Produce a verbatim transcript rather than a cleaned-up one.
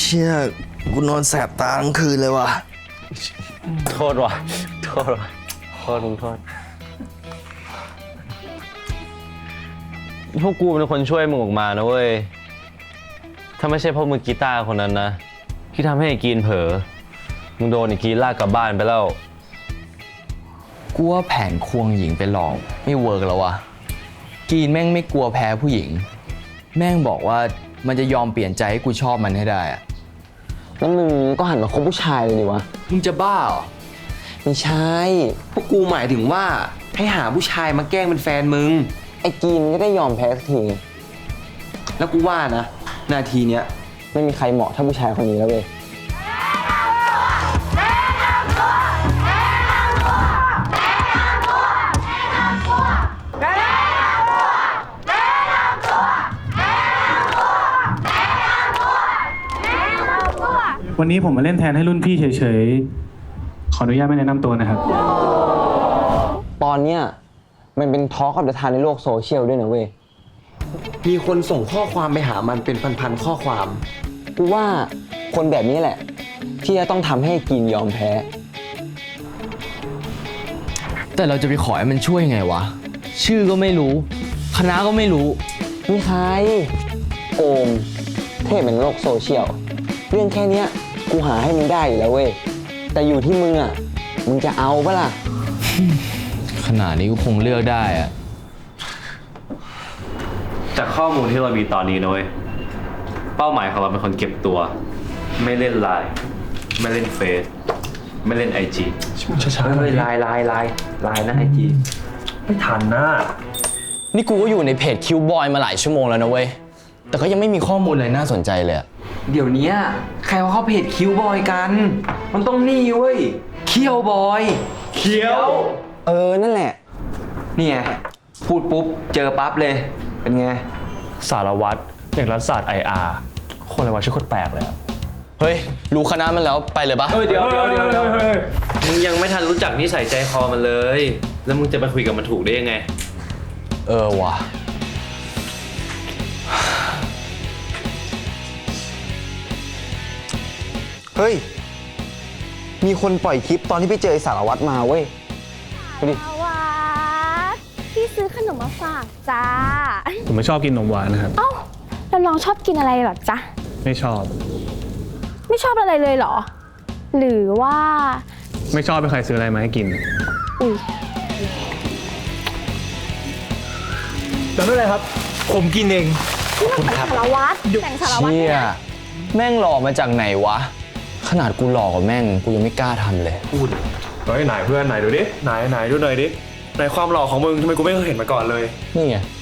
ชี่ยกูนอนแสบตาทั้งคืนเลยว่ะโทษว่ะโทษว่ะโทษมึงโทษพวกกูเป็นคนช่วยมึงออกมานะเว้ยถ้าไม่ใช่เพราะมือกีตาร์คนนั้นนะที่ทำให้ไอ้กีนเผลอมึงโดนไอ้กีนลากกลับบ้านไปแล้วกูว่าแผนควงหญิงไปหลอกไม่เวิร์กแล้ววะกีนแม่งไม่กลัวแพ้ผู้หญิงแม่งบอกว่ามันจะยอมเปลี่ยนใจให้กูชอบมันให้ได้อะแล้วมึงก็หันมาคบผู้ชายเลยดิวะมึงจะบ้าเหรอไม่ใช่พวกกูหมายถึงว่าให้หาผู้ชายมาแกล้งเป็นแฟนมึงไอ้กีนก็ได้ยอมแพ้สักทีแล้วกูว่านะนาทีเนี้ยไม่มีใครเหมาะเท่าผู้ชายคนนี้แล้วเว้ยวันนี้ผมมาเล่นแทนให้รุ่นพี่เฉยๆ ขออนุญาตไม่แนะนำตัวนะครับตอนเนี้ยมันเป็นทอล์กกับเดอะทานในโลกโซเชียลด้วยนะเว้ย มีคนส่งข้อความไปหามันเป็นพันๆข้อความ กูว่าคนแบบนี้แหละ ที่จะต้องทำให้กินยอมแพ้แต่เราจะไปขอให้มันช่วยไงวะชื่อก็ไม่รู้คณะก็ไม่รู้มีใครโอมเทพเป็นโลกโซเชียลเรื่องแค่เนี้ยกูหาให้มึงได้อยู่แล้วเว้ยแต่อยู่ที่มึงอ่ะมึงจะเอาปะล่ะขนาดนี้กูคงเลือกได้อะจากข้อมูลที่เรามีตอนนี้นะเว้ยเป้าหมายของเราเป็นคนเก็บตัวไม่เล่นไลน์ไม่เล่นเฟซไม่เล่นไอจีช้าๆเลยไลน์ไลน์ไลน์ไลน์นะไอจีไม่ทันนะนี่กูก็อยู่ในเพจคิวบอยมาหลายชั่วโมงแล้วนะเว้ยแต่ก็ยังไม่มีข้อมูลอะไรน่าสนใจเลยอะเดี๋ยวนี้ใครว่าเขาเพจคิวบอยกันมันต้องนี่เว้ยเคียวบอยเคียวเออนั่นแหละนี่ไงพูดปุ๊บเจอปั๊บเลยเป็นไงสารวัตรอย่างรัฐศาสตร์ไออาร์คนอะไรวะชื่อโคตรแปลกเลยเฮ้ยรู้คณะมันแล้วไปเลยปะเฮ้ยเดี๋ยวเดี๋ยวเดี๋ยวเดี๋ยวมึงยังไม่ทันรู้จักนิสัยใจคอมันเลยแล้วมึงจะไปคุยกับมันถูกได้ยังไงเออว่ะเฮ้ยมีคนปล่อยคลิปตอนที่ไปเจอไอ้สารวัตรมาเว้ยดูดิสารวัตรพี่ซื้อขนมมาฝากจ้าผมไม่ชอบกินนมหวานนะครับเอ้าแล้วน้องชอบกินอะไรหรอจ๊ะไม่ชอบไม่ชอบอะไรเลยเหรอหรือว่าไม่ชอบเป็นใครซื้ออะไรมาให้กินอุ้ยแต่ไม่เป็นไรครับผมกินเองขอบคุณครับสารวัตรแต่งสารวัตรเนี่ยแม่งหล่อมาจากไหนวะขนาดกูหล่อกว่าแม่งกูยังไม่กล้าทำเลยพูดเฮ้ยไหนเพื่อนไหนดูดิไหนไหนดูหน่อยดิไหนความหล่อของมึงทำไมกูไม่เคยเห็นมาก่อนเลยนี่ไง